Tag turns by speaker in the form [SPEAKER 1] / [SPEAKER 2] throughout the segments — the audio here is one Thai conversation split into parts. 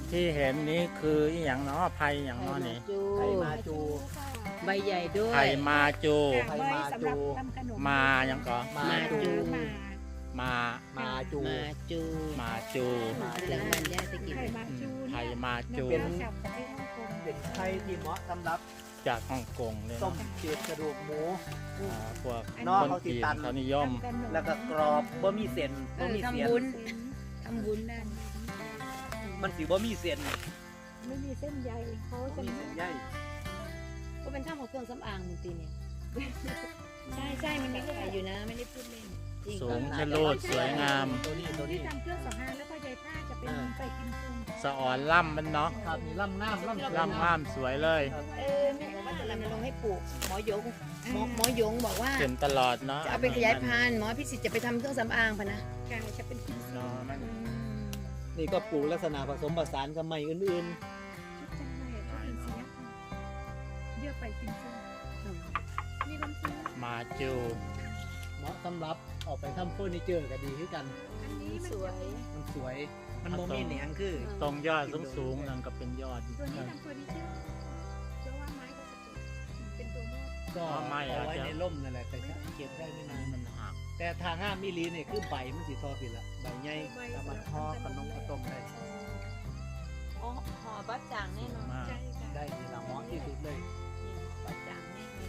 [SPEAKER 1] ที่เห็นนี้คืออหย่างเนาะไผ่อย่างเนาะนี่
[SPEAKER 2] ไผ่มาจู
[SPEAKER 3] ใบใหญ่ด้วย
[SPEAKER 1] ไผ่มาจู
[SPEAKER 2] ไผ่มาจู
[SPEAKER 1] มาอย่างก็
[SPEAKER 2] มาจู
[SPEAKER 1] มา
[SPEAKER 2] มาจู
[SPEAKER 3] มาจู
[SPEAKER 1] มาจู
[SPEAKER 3] หลังมันย่าจะกิน
[SPEAKER 4] ไข่มาจู
[SPEAKER 1] ไผ่มาจู
[SPEAKER 2] เป็น
[SPEAKER 4] จากประเทศฮ่องกง
[SPEAKER 2] เป็นไผ่ที่เหมาะสำหรับ
[SPEAKER 1] จากฮ่องกงเลย
[SPEAKER 2] ต้ม
[SPEAKER 1] เนาะ
[SPEAKER 2] เจียดกระดูกหมู
[SPEAKER 1] พวก
[SPEAKER 2] นอก
[SPEAKER 1] คน
[SPEAKER 2] เขาสิ
[SPEAKER 1] จีน
[SPEAKER 2] ตัน
[SPEAKER 1] เขานิยม
[SPEAKER 2] แล้วก็กรอบบ่มีเส้นบ่มีเสียน
[SPEAKER 3] ทำบุญนั่น
[SPEAKER 2] มันสิบ่มีเส้น
[SPEAKER 4] ไม่มีเส้นใยเขา
[SPEAKER 2] บ่
[SPEAKER 4] จะ
[SPEAKER 2] มีเส้นใย
[SPEAKER 3] ก็เป็นท่าของเครื่องสำอางมึงตีเนี่ยใช่มันมีขายอยู่นะไม่ได้พูดเล่นจริง
[SPEAKER 1] สูงชะโลดสวยงาม
[SPEAKER 2] ตัวนี้
[SPEAKER 4] ที่ทำเครื่องสำอางแล้วก็ใยผ้าจะเป็นไปกินซุง
[SPEAKER 1] สะอ่อนล่ำมันเนาะ
[SPEAKER 2] ครับนี่ล่ำน้ำล่ำ
[SPEAKER 1] ล่ำงามสวยเลย
[SPEAKER 3] แม่ว่าจะรณรงค์ให้ปลูกหมอยงหมอยงบอกว่า
[SPEAKER 1] เห็นตลอดเนาะ
[SPEAKER 3] จะเอาไปขยายพันธุ์หมอพิสิทธิ์จะไปทำเครื่องสำอางพะนะ
[SPEAKER 4] กายจะเป็นกินซุง
[SPEAKER 1] เนาะมัน
[SPEAKER 2] นี่ก็ปลูกลักษณะผสมผสานกับไม้อื่น
[SPEAKER 4] จังเลยก็เป็นเสียเยอะไปกินซุงมีน้ำซุป
[SPEAKER 1] มาจู
[SPEAKER 2] ๆเหมาะสำหรับออกไปทำเฟอร์นิเจอร์ก็ดีคือกัน
[SPEAKER 4] อันนี้
[SPEAKER 3] สวย
[SPEAKER 2] มันสวย มันโมมีเหนียงคือ
[SPEAKER 1] ตรงยอดสูงๆนั่นก็เป็นยอด
[SPEAKER 4] ตัวนี้ทำเฟอร์นิเจอร์เพราะว่าไม้ก็จะเป็นตัวมอด
[SPEAKER 2] ก็
[SPEAKER 1] ไม่
[SPEAKER 2] เอาไว้
[SPEAKER 1] อาจจะ
[SPEAKER 2] ในร่มนั่นแหละแต่เก็บได้ไม่นาน
[SPEAKER 1] มันหัก
[SPEAKER 2] แต่ทางห้ามมิลีเนี่ยคือใบมันสีทอผิดละใบใหญ่สามารถทอขนมข้าวต้มได้
[SPEAKER 3] อ๋อห่อบัตจางแน่นอน
[SPEAKER 1] มาก
[SPEAKER 4] ใช่ค่ะ
[SPEAKER 2] ได้ทีละเหมาะที่สุดเลย
[SPEAKER 3] บัตจางแน่นอน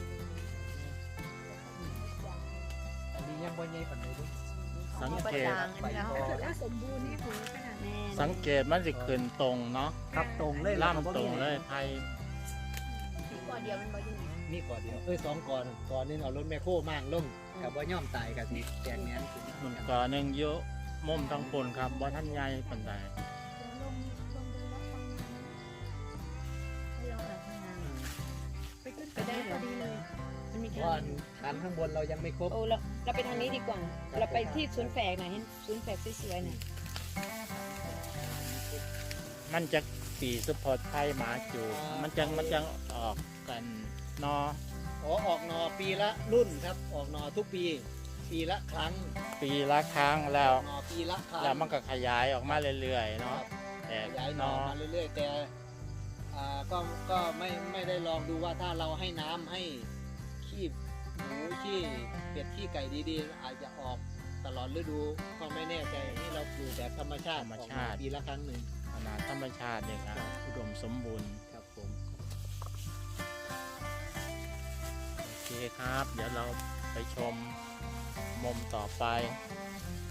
[SPEAKER 2] อันนี้ยังบ่ใหญ่ปานใดเด้อ
[SPEAKER 1] สังเกต
[SPEAKER 4] ถ้าเกิดว่าสมบูรณ์นี่โหขนาดนี้
[SPEAKER 1] สังเกตมันสิขึ้นตรงเนาะ
[SPEAKER 2] ครับตรงเลย
[SPEAKER 1] ล่ำตรงเลยไผ่
[SPEAKER 3] ที่ก่อเดียวมันบ่อยู่
[SPEAKER 2] นี่ก่อนเดียวสองก่อนก่อนนึงเอารถแมคโครมางลงกับว่าย่อมตายกับสิแกงแหนนขึ้น
[SPEAKER 1] มันก่อหนึ่งเยอะมุมทั้งปนครับบ่ท่านใหญ่ปานใด
[SPEAKER 4] ลงไปรับฟังงาน
[SPEAKER 3] ให้เราหาทำงาน
[SPEAKER 4] ไปขึ้นไปได้พอดีเลย
[SPEAKER 3] มันมี
[SPEAKER 2] เพ
[SPEAKER 3] แค่
[SPEAKER 2] ราะว่าฐานข้างบนเรายังไม่ครบ
[SPEAKER 3] โอ้เราไปทางนี้ดีกว่า เราไปที่ศูนย์แฝกหน่อยเห็นศูนย์แฝกสวยๆหน่อย
[SPEAKER 1] มันจะปีสปอร์ตไผ่หมาจูมันจังออกกันเนาะ
[SPEAKER 2] ออกหนอปีละรุ่นครับ ออกหนอทุกปี ปีละครั้ง
[SPEAKER 1] ปีละครั้งแล้ว
[SPEAKER 2] หนอปีละครั้ง
[SPEAKER 1] แล้วมันก็ขยายออกมาเรื่อยๆเนาะแต่
[SPEAKER 2] ขยายหนอ
[SPEAKER 1] เนาะ
[SPEAKER 2] มาเรื่อยๆ แต่ก็ไม่ได้ลองดูว่าถ้าเราให้น้ำให้ขี้หมูขี้เป็ดขี้ไก่ดีๆ อาจจะออกตลอดฤดูก็ไม่แน่ใจนี่เราปลูกแบบธรรมชาติออกมาปีละครั้งหนึ่ง
[SPEAKER 1] ขนาดธรรมชาติเนี่ยครับอุดมสมบูรณ์
[SPEAKER 2] ครับผม
[SPEAKER 1] โอเคครับ เดี๋ยวเราไปชมมุมต่อไป